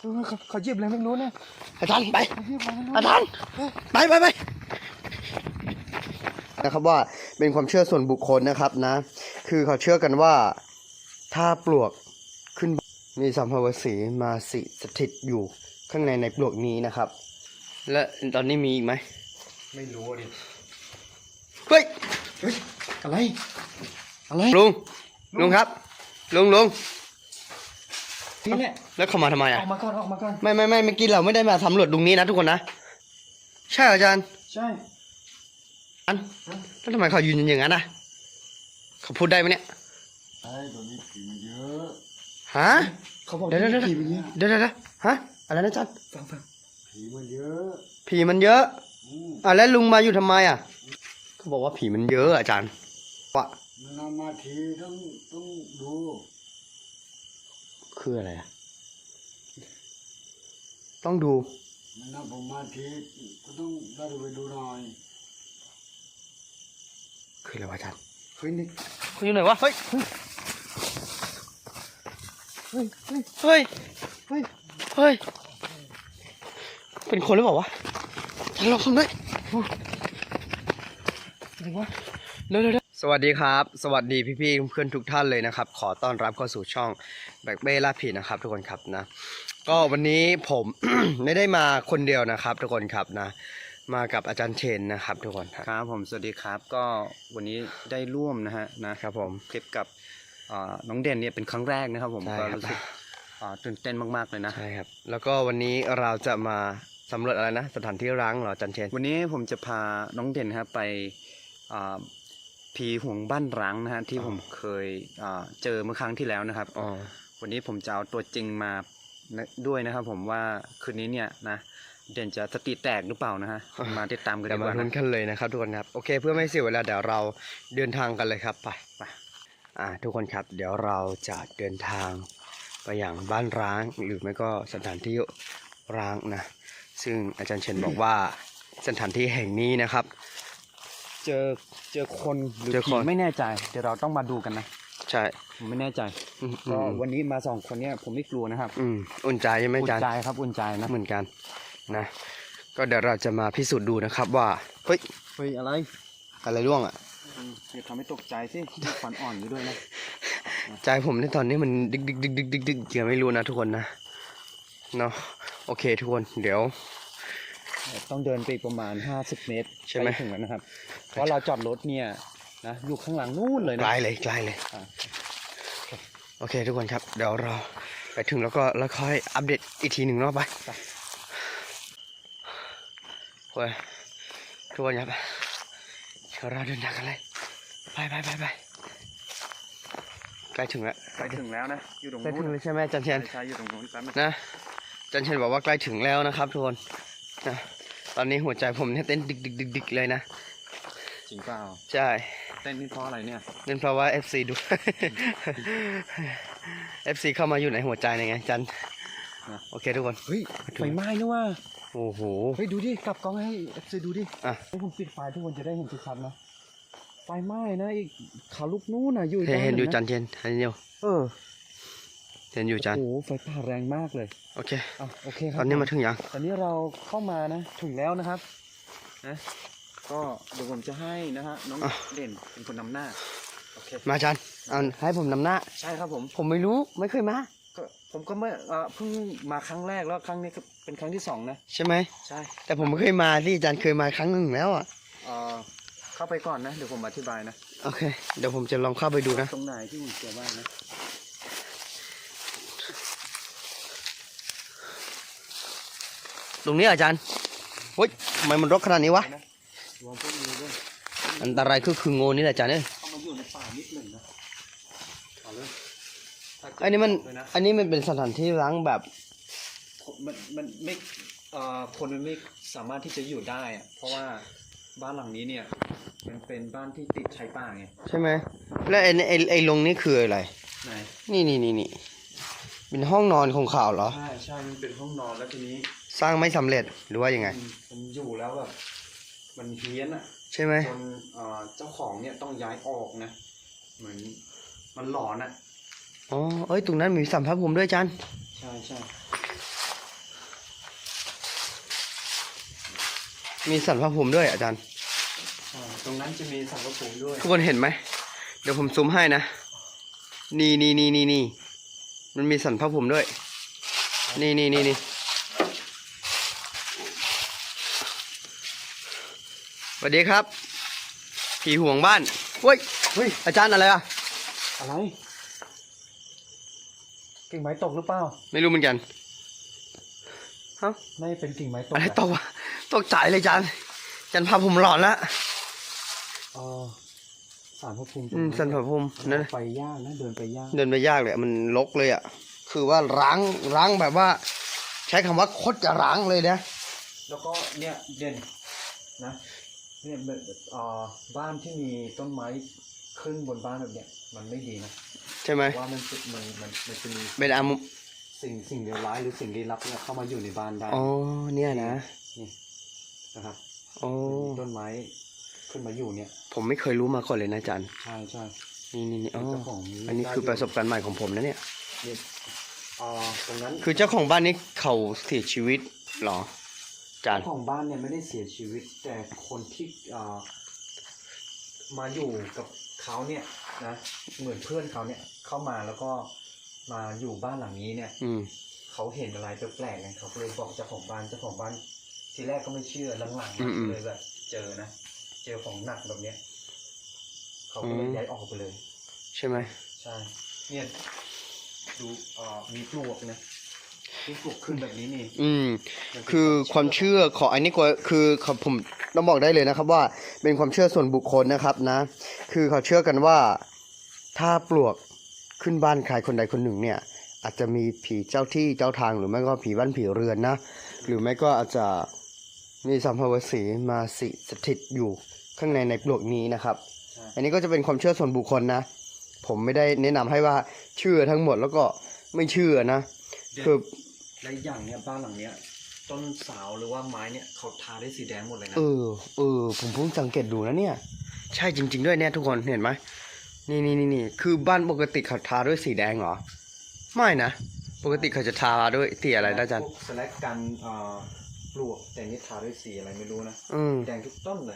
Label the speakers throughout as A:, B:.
A: เขาหยิบอะไรไม่รู้นะ
B: อาจารย์ไป
A: เขาหยิบอะไรไม่รู้
B: อาจารย์ไปนะครับว่าเป็นความเชื่อส่วนบุคคลนะครับนะ คือเขาเชื่อกันว่าถ้าปลวกขึ้นมีสัมภเวสีมาสถิตอยู่ข้างในปลวกนี้นะครับ และตอนนี้มีอีกไหม
A: ไม่รู้ดิ
B: เฮ้ย
A: อะไร
B: ลุงครับลุง
A: นี่แหละ
B: แล้วเขามาทำไม
A: อ
B: อ่ะ
A: อกมาก่อน
B: ไม่เมื่อกี้เราไม่ได้มาสำรวจตรงนี้นะทุกคนนะใช่อาจารย์
A: ใช่
B: แล้วทำไมเขายืนอย่างนั้นนะเขาพูดได้ไหมเนี่ย
A: ไอ้ตัวนี้ผีมันเยอะ
B: ฮะ
A: เขาบอก
B: เดี๋ยว
A: ผีมันเยอะ
B: เดี๋ยวฮะอะไรนะอาจารย์
A: ฟังผีมันเยอะ
B: ผีมันเยอะแล้วลุงมาอยู่ทำไมอ่ะเขาบอกว่าผีมันเยอะอาจารย์ว่า
A: มันนำมาทีต้องดู
B: คืออะไรอ่ะต้องดู
A: มันนำผมมาทีก็ต้องได้ไปดูหน่อย
B: คืออะไรวะอาจารย์
A: เฮ้ยนี่
B: เขาอยู่ไหนวะเฮ้ย
A: เฮ้ย
B: เป็นคนหรือเปล่าวะอาจารย์ลองทำด้วย
A: อะไรวะ
B: เร็วสวัสดีครับ สวัสดีพี่ๆเพื่อนทุกท่านเลยนะครับขอต้อนรับเข้าสู่ช่องแบกเบ้ล่าผีนะครับทุกคนครับนะก็วันนี้ผม ไม่ได้มาคนเดียวนะครับทุกคนครับนะมากับอาจารย์เชนนะครับทุกคน
C: ครับผมสวัสดีครับก็วันนี้ได้ร่วมนะครับ
B: ผม
C: คลิปกับน้องเด่นเนี่ยเป็นครั้งแรกนะครับผม
B: ใช่
C: ก็
B: ครับ
C: รู้สึกตื่นเต้นมากๆเลยนะ
B: ใช่ครับแล้วก็วันนี้เราจะมาสำรวจอะไรนะสถานที่ร้างเหรออาจารย์เชน
C: วันนี้ผมจะพาน้องเด่นครับไปผีห่วงบ้านร้างนะฮะที่ผมเคยเจอเมื่อครั้งที่แล้วนะครับ
B: อ๋อ
C: วันนี้ผมจะเอาตัวจริงมาด้วยนะครับผมว่าคืนนี้เนี่ยนะเด่นจะสติแตกหรือเปล่านะฮะมาติดตามกัน
B: เดี๋
C: ดี
B: ยว
C: ก
B: มา
C: ว่า
B: ลุ้น
C: นะ
B: กันเลยนะครับทุกคนครับโอเคเพื่อไม่เสียเวลาเดี๋ยวเราเดินทางกันเลยครับไปทุกคนครับเดี๋ยวเราจะเดินทางไปอย่างบ้านร้างหรือไม่ก็สถานที่ร้างนะซึ่งอาจารย์เชนบอกว่าสถานที่แห่งนี้นะครับ
C: เจอคนหรือ
B: เจอ
C: ผี
B: คน
C: ไม่แน่ใจเดี๋ยวเราต้องมาดูกันนะ
B: ใช่
C: ผมไม่แน่ใจก็วันนี้มา2 คนเนี่ยผมไม่กลัวนะครับ
B: อุ่นใจใช่ไหม
C: อุ่
B: อาจาร
C: น
B: ย์
C: ใจครับอุ่นใจนะ
B: เหมือนกันนะก็เดี๋ยวเราจะมาพิสูจน์ดูนะครับว่าเฮ้ย
C: เฮ้ยอะไร
B: อะไรร่วงอ่ะ
C: อย่าทำให้ตกใจสิขวัญอ่อนอยู่ด้วยนะ
B: ใจผมในตอนนี้มันดึกยังไม่รู้นะทุกคนนะเนาะโอเคทุกคนเดี๋ยว
C: ต้องเดินไปอีกประมาณ50 เมตร
B: ใช่ไหม
C: ถึงแล้วนะครับเพราะเราจอดรถเนี่ยนะอยู่ข้างหลังนู่นเลย
B: ไก
C: นะ
B: ลเลย
C: อ่า
B: โอเคทุกคนครับเดี๋ยวเราไปถึงแล้วค่อยอัปเดตอีกทีหนึ่งเนาะไปโอ้ยทุกคนครับเดี๋ยวเราเดินทางกันเลยไปใกล้ถึงแล้ว
C: ไปถึงแล้วนะอยู่ตรง
B: ใกล้
C: นู้
B: ถึ
C: น
B: งเลยใช่ไหมอาจารย์เชน
C: ใช่อยู่ตรงนู้นแป๊บนึง
B: นะอาจารย์เชนบอกว่าใกล้ถึงแล้วนะครับทุกคนนะตอนนี้หัวใจผมเนี่ยเต้นดึกเลยนะ
C: จริงเปล่า
B: ใช่
C: เต้นนี่เพราะอะไรเนี่ย
B: เป็นเพราะว่า FC ดู FC เข้ามาอยู่ในหัวใจไงจันโอเคทุกคน
C: เฮ้ยไฟไหม้นี่ว่า
B: โอ้โห
C: เฮ้ยดูดิกลับกล้องให้FC ดูดิ
B: อ่ะ
C: ให้ผมปิดไฟทุกคนจะได้เห็นชัดๆนะไฟไหม้นะอีกเขาลูกนู้นน่ะอยู่
B: เห็นอยู่จั
C: น
B: นเชนเห็นอยู่
C: เ
B: เห็นอยู่จัน
C: โอ้โหไฟป่าแรงมากเลย
B: โอเค
C: โอเคครั
B: ตอนนี้มาถึงยัง
C: ตอนนี้เราเข้ามานะถึงแล้วนะครับนะก็เดี๋ยวผมจะให้นะฮะน้องเด่นเป็นคนนำหน้าโอเค
B: มาจันเอาให้ผมนำหน้า
C: ใช่ครับผม
B: ผมไม่รู้ไม่เคยมา
C: ก็ผมก็ไม่เพิ่งมาครั้งแรกแล้วครั้งนี้ก็เป็นครั้งที่2นะ
B: ใช่ไหม
C: ใช่
B: แต่ผมไม่เคยมาที่จันเคยมาครั้งหนึ่งแล้วอ่ะ
C: เข้าไปก่อนนะเดี๋ยวผมอธิบายนะ
B: โอเคเดี๋ยวผมจะลองเข้าไปดูนะ
C: ตรงไหนที่ผมเจอบ้างนะ
B: ตรงนี้อาจารย์เฮ้ยทำไมมันรกขนาดนี้วะ
C: รวมพวกนี้ด้วย
B: อันตรายคืองูนี่แหละอาจารย์เนี่ย
C: เข้ามาอยู่ในป่านิดหนึ่งนะเอาเลย
B: อันนี้มันเป็นสถานที่ร้างแบบ
C: มันไม่คนมันไม่สามารถที่จะอยู่ได้อะเพราะว่าบ้านหลังนี้เนี่ยมันเป็นบ้านที่ติดชายป่าไง
B: ใช่ไหมแล้วไอ้ลงนี่คืออะไร
C: ไหน
B: นี่เป็นห้องนอนของข่าวเหรอ
C: ใช่มันเป็นห้องนอนแล้วทีนี้
B: สร้างไม่สำเร็จหรือว่ายังไง
C: มันอยู่แล้วแบบมันเฮี้ยนอ่ะ
B: ใช่ไหม
C: จนเจ้าของเนี่ยต้องย้ายออกนะเหมือนมันหลอนอ่ะ
B: อ๋อเอ้ยตรงนั้นมีสัมภาระผมด้วยอาจารย์
C: ใช่
B: มีสันพระภูมิด้วยอาจารย์
C: ตรงนั้นจะมีสังกะภูมิด้วย
B: ทุกคนเห็นไหม เดี๋ยวผมซูมให้นะ นี่ มันมีสันพระภูมิด้วย นี่ สวัสดีครับ ผีห่วงบ้านเฮ้ย อาจารย์อะไรอ่ะ
C: อะไรกิ่งไม้ตกหรือเปล่า
B: ไม่รู้เหมือนกันฮะ
C: ไม่เป็นกิ่งไม้ตก
B: อะไรตกวะตกใจเลยอาจารย์อาจารย์พาผมหลอนละ
C: สารพระภูมิ
B: สันพระภูมินั่น
C: ไปยากนะเดินไปยาก
B: เดินไปยากเลยอะมันรกเลยอ่ะ คือว่าร้างแบบว่า ใช้คำว่าโคตรจะร้างเลยนะ
C: แล้วก็เนี่ยเด่นนะเนี่ยบ้านที่มีต้นไม้ขึ้นบนบ้านแบบเนี้ยมันไม่ดีนะ
B: ใช่ไหม
C: ว่ามันจะมี
B: เป็นอามุ
C: สิ่งเลวร้ายหรือสิ่งลี้ลับเนี่ยเข้ามาอยู่ในบ้านได้
B: อ๋อเนี่ยนะ
C: นี่นะครับ
B: อ๋อ
C: มีต้นไม้ขึ้นมาอยู่เนี่ย
B: ผมไม่เคยรู้มาก่อนเลยนะอาจารย์
C: ใช่
B: นี่อ๋อ
C: เจ้าของ
B: อันนี้คือประสบการณ์ใหม่ของผมนะเนี่ย
C: เนี่ยตรงนั้น
B: คือเจ้าของบ้านนี้เขาเสียชีวิตเหรออาจารย์
C: เจ้าของบ้านเนี่ยไม่ได้เสียชีวิต แต่คนที่มาอยู่กับเขาเนี่ยนะเหมือนเพื่อนเขาเนี่ยเข้ามาแล้วก็มาอยู่บ้านหลังนี้เนี่ย เขาเห็นอะไรแปลกๆไงเขาก็เลยบอกเจ้าของบ้านทีแรกก็ไม่เชื่อหลังๆเลยแบบเจอนะเจอของหนักแบบเนี้ยเขาก็เลยย้ายออกไปเลย
B: ใช่ไหม
C: ใช่เนี่ยดูมีปลวกนะมีปลวกขึ้นแบบนี้นี่
B: คือความเชื่อของอันนี้ก็คือผมต้องบอกได้เลยนะครับว่าเป็นความเชื่อส่วนบุคคลนะครับนะ คือเขาเชื่อกันว่าถ้าปลวกขึ้นบ้านใครคนใดคนหนึ่งเนี่ย อาจจะมีผีเจ้าที่เจ้าทางหรือไม่ก็ผีบ้านผีเรือนนะ หรือไม่ก็อาจจะมีสัมภเวสีมาสถิตอยู่ข้างในปลวกนี้นะครับ อันนี้ก็จะเป็นความเชื่อส่วนบุคคลนะ ผมไม่ได้แนะนำให้ว่าเชื่อทั้งหมดแล้วก็ไม่เชื่อนะคือ
C: และอย่างเนี้ยบ้านหลังเนี้ยต้นเสาหรือว่าไม้เนี่ยเขาทาได้สีแดงหมดเลยนะ
B: ผมเพิ่งสังเกตดูนะเนี่ย ใช่จริงๆด้วยเนี่ยทุกคนเห็นไหมนี่คือบ้านปกติเขาทาด้วยสีแดงเหรอไม่นะปกติเขาจะทาด้วยสีอะไรนะอาจารย์
C: พวกสแลกกันปลวกแต่นี่ทาด้วยสีอะไรไม่รู้นะแดงทุกต้นเลย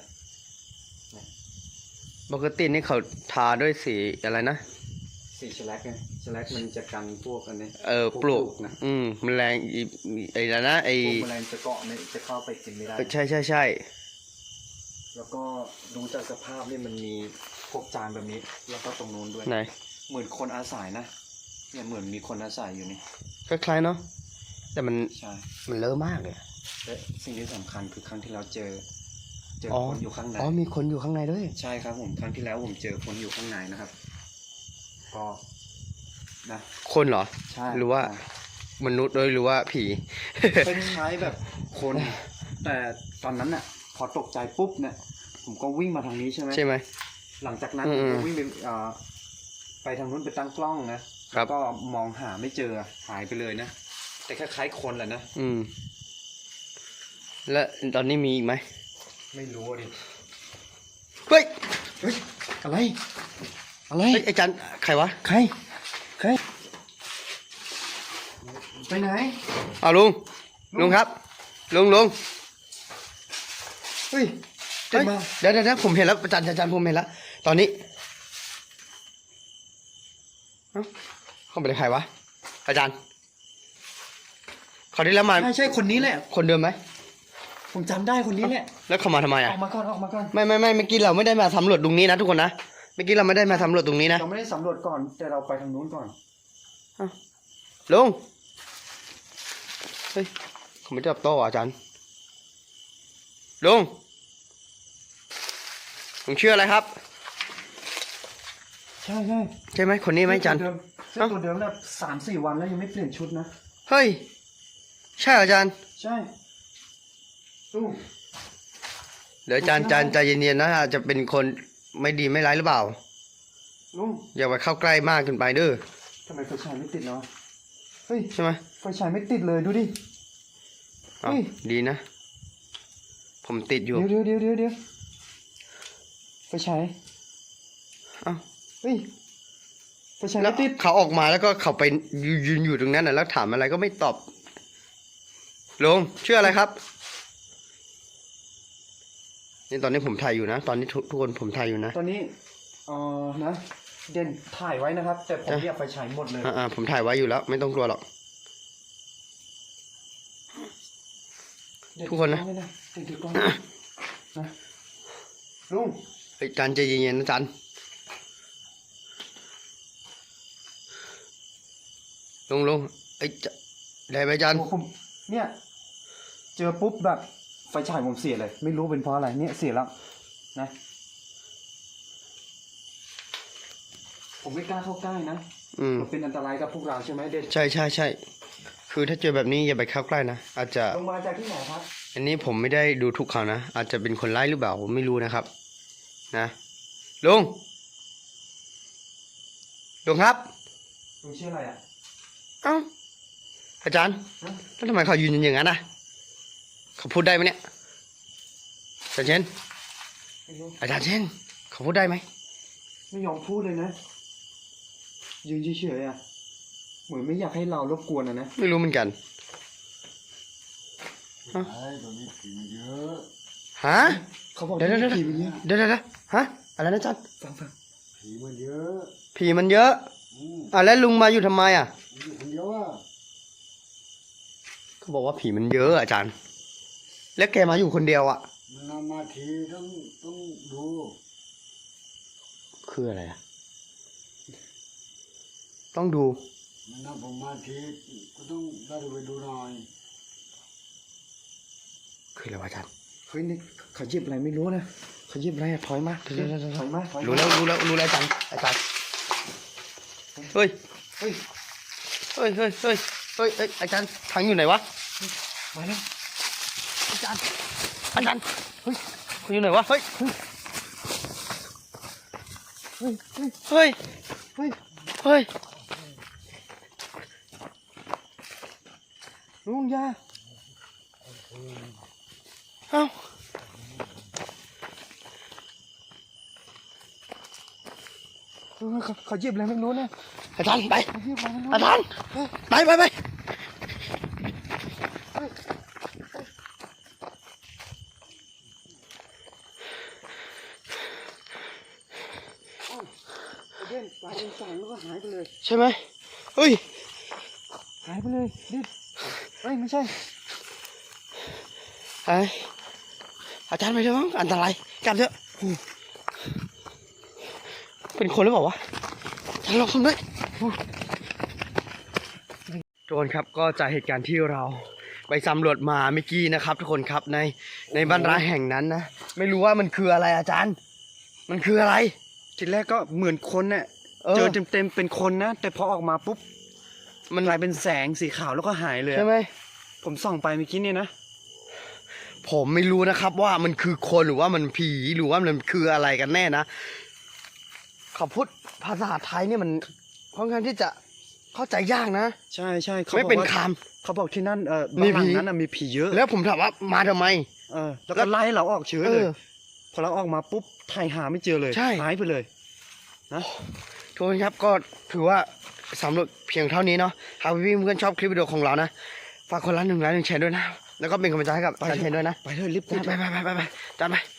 B: ปกตินี่เขาทาด้วยสีอะไรนะ
C: สีสแลกไงสแลกมันจะกันพวกอันนี้
B: ปลวก
C: นะ
B: แมลงไอ้แล้วนะไอ้
C: พวกแมลงจะเกาะเนี่ยจะเข้าไปกินไม่ได้
B: ใช่
C: แล้วก็ดูจากสภาพนี่มันมีพวกจานแบบนี้ แล้วก็ตรงนู้นด้วย
B: ไหน
C: เหมือนคนอาศัยนะเนี่ยเหมือนมีคนอาศัยอยู่นี่
B: คล้ายๆเนาะแต่มัน
C: ใช่
B: เลอะมากเลย
C: และสิ่งที่สำคัญคือครั้งที่เราเจอคนอยู่ข้างใน
B: มีคนอยู่ข้างในด้วย
C: ใช่ครับผมครั้งที่แล้วผมเจอคนอยู่ข้างในนะครับก็นะ
B: คนเหรอ
C: ใช่
B: หรือว่ามนุษย์ด้วยหรือว่าผี
C: เป็นคล้ายแบบคน แต่ตอนนั้นน่ะพอตกใจปุ๊บเนี่ยผมก็วิ่งมาทางนี้ใช่ไหม
B: ใช่ไหม
C: หลังจากนั้นผมก็วิ่งไปทางนู้นไปตั้งกล้องนะครับ ก็มองหาไม่เจอหายไปเลยนะแต่คล้ายๆคนแหละนะ
B: และตอนนี้มีอีกไหม
C: ไม่รู้ดิ
B: เฮ้ย
C: อะไร
B: เฮ้ยอาจารย์ใครวะ
C: ใครไปไหน
B: เอาลุงครับลุง
C: เฮ้ย
B: เฮ้ยเดี๋ยวผมเห็นแล้วอาจารย์ผมเห็นแล้วตอนนี้เอ้าเขาเป็นใครวะอาจารย์เขาได้แล้วมา
C: ใช่คนนี้แหละ
B: คนเดิมไหม
C: ผมจำได้คนนี้แหละ
B: แล้วเขามาทำไม
C: อ
B: อ่ะ
C: อกมาก่อน
B: ไม่เมื่อกี้เราไม่ได้มาสำรวจตรงนี้นะทุกคนนะเมื่อกี้เราไม่ได้มาสำรวจตรงนี้นะ
C: เราไม่ได้สำรวจก่อนแต่เราไปทางนู้นก่อน
B: ลุงเฮ้ยเขาไม่ตอบโต้อ่ะอาจารย์ลุงชื่ออะไรครับ
C: ใช่
B: ใช่ไหมคนนี้ไหมอาจารย์
C: เสื้อตัวเดิมแบบ3-4 วันแล้วยังไม่เปลี่ยนชุดนะ
B: เฮ้ยใช่เหรออาจารย์
C: ใช่ตู้
B: เดี๋ยวอาจารย์ใจเย็นๆนะอาจจะเป็นคนไม่ดีไม่ร้ายหรือเปล่า
C: ลุง
B: อย่าไปเข้าใกล้มากเกินไปเด้อ
C: ทำไมไฟฉายไม่ติดเนาะเฮ้ย
B: ใช่ไหม
C: ไฟฉายไม่ติดเลยดูดิ
B: เอา
C: เฮ้ย
B: ดีนะ ผมติดอยู่
C: เดี๋ยวไฟฉาย
B: เอ้า
C: เฮ้ยไฟฉาย
B: แล้ว
C: ไม่ติด
B: เขาออกมาแล้วก็เขาไปยืนอยู่ตรงนั้นน่ะแล้วถามอะไรก็ไม่ตอบลุงชื่ออะไรครับนี่ตอนนี้ผมถ่ายอยู่นะ ตอนนี้ทุกคนผมถ่ายอยู่นะ
C: ตอนนี้นะเด่นถ่ายไว้นะครับ แต่ผมเรียกไฟฉายหมดเลย
B: ผมถ่ายไว้อยู่แล้ว ไม่ต้องกลัวหรอก ทุกคนนะ
C: เด่นถือกล้องนะลุง
B: เฮ้ยจันใจเย็นๆนะจันลุงเอ้ยจะได้ไหมจัน
C: โอ้ผมเนี่ยเจอปุ๊บแบบไฟฉายผมเสียเลย ไม่รู้เป็นเพราะอะไรเนี่ยเสียแล้วนะ ผมไม่กล้าเข้าใกล้นะมันเป็นอันตรายกับพวกเราใช่ไหมเด่น
B: ใช่คือถ้าเจอแบบนี้อย่าไปเข้าใกล้นะอาจจะ
C: ลงมาจากที่ไหนครับ
B: อันนี้ผมไม่ได้ดูทุกเขานะอาจจะเป็นคนร้ายหรือเปล่าผมไม่รู้นะครับนะลุงครับ
C: ลุงชื่ออะไรอ่ะ
B: เอ้าอาจารย์
C: ฮะ
B: แล้วทำไมเขายืนอย่างนั้นนะเขาพูดได้ไหมเนี่ยอาจารย์เชน
C: ไม่รู้
B: อาจารย์เชนเขาพูดได้ไหม
C: ไม่ยอมพูดเลยนะยืนเฉยๆอ่ะเหมือนไม่อยากให้เรารบกวนนะ
B: ไม่รู้เหมือนกัน
A: ไอ้ตอนนี้ผีมันเยอะ
B: ฮะ
C: เขาบอก
B: เดี๋ยว
C: ผีมันเยอะ
B: เดี๋ยวฮะอะไรนะอาจารย์
C: ฟัง
A: ผีมันเยอะ
B: ผีมันเยอะ
A: ม
B: แล้วลุงมาอยู่ทำไมอ่ะ
A: อยู่คนเดียวอ่ะ
B: เขาบอกว่าผีมันเยอะอาจารย์ แล้วแกมาอยู่คนเดียวอ่ะ
A: มันนำมาทีต้องดู
B: คืออะไรอ่ะต้องดู
A: มันนำผมมาทีก็ต้องได้ไปดูหน่อย
B: คืออะไรวะอาจารย์
C: เฮ้ยนี่เขาหยิบอะไรไม่รู้นะเขาหยิบอะไรอะถอยมาถอยมาถอยมา
B: รู้แล้วอาจารย์เฮ้ย
C: เฮ้ย
B: อาจารย์ทางอยู่ไหนวะ
C: มาแล้ว
B: อาจารย์เฮ้ยเขาอยู่ไหนวะเฮ้ย
C: เฮ้ย
B: เฮ้ย
C: เฮ้ย
B: เฮ้ย
C: ลุงยา
B: เอ้า
C: เขาหยิบอะไรไม่รู้นะ
B: อาจารย์ไป
C: เขาหยิบอะไรไม่รู้
B: อาจารย์ไป
C: เด่นปลาเป็นสางแล้วก็หายไปเลย
B: ใช่ไหมเฮ้ย
C: หายไปเลยดิเฮ้ยไม่ใช่
B: ไออาจารย์ไปเถอะมั้งอันตรายกลับเถอะเป็นคนหรือเปล่าวะอาจารย์ลองทำด้วยทุกคนครับก็จากเหตุการณ์ที่เราไปสำรวจมาเมื่อกี้นะครับ ทุกคนครับในบ้านร้างแห่งนั้นนะไม่รู้ว่ามันคืออะไรอาจารย์ มันคืออะไร
C: ทีแรกก็เหมือนคนเนี่ยเจอเต็มๆเป็นคนนะแต่พอออกมาปุ๊บมันกลายเป็นแสงสีขาวแล้วก็หายเลย
B: ใช่ไหม
C: ผมส่องไปเมื่อกี้เนี่ยนะ
B: ผมไม่รู้นะครับว่ามันคือคนหรือว่ามันผีหรือว่ามันคืออะไรกันแน่นะเขาพูดภาษาไทยเนี่ยมันค่อนข้างที่จะเข้าใจยากนะ
C: ใช่เขา
B: ไม่
C: บอก
B: เป็น
C: ว่า
B: ค
C: เขาบอกที่นั่น
B: มี
C: บ้านหลั
B: ผี
C: งนั้นน่ะมีผีเยอะ
B: ำแล้วผมถามว่ามาทำไม
C: แล้วก็ไล่ให้เราออกเฉยเลย
B: เออ
C: พอเราออกมาปุ๊บถ่ายหาไม่เจอเลย
B: ใช่
C: หายไปเลย
B: ทุกคนครับก็ถือว่าสำรวจเพียงเท่านี้เนาะหากพี่เพื่อนชอบคลิปวิดีโอของเรานะฝากคนละ1 ไลค์ 1 แชร์ด้วยนะแล้วก็เป็นกำลังใจให้กับอาจารย์เชนด้วยนะ
C: ไปเลยรีบ
B: ไปจัดไป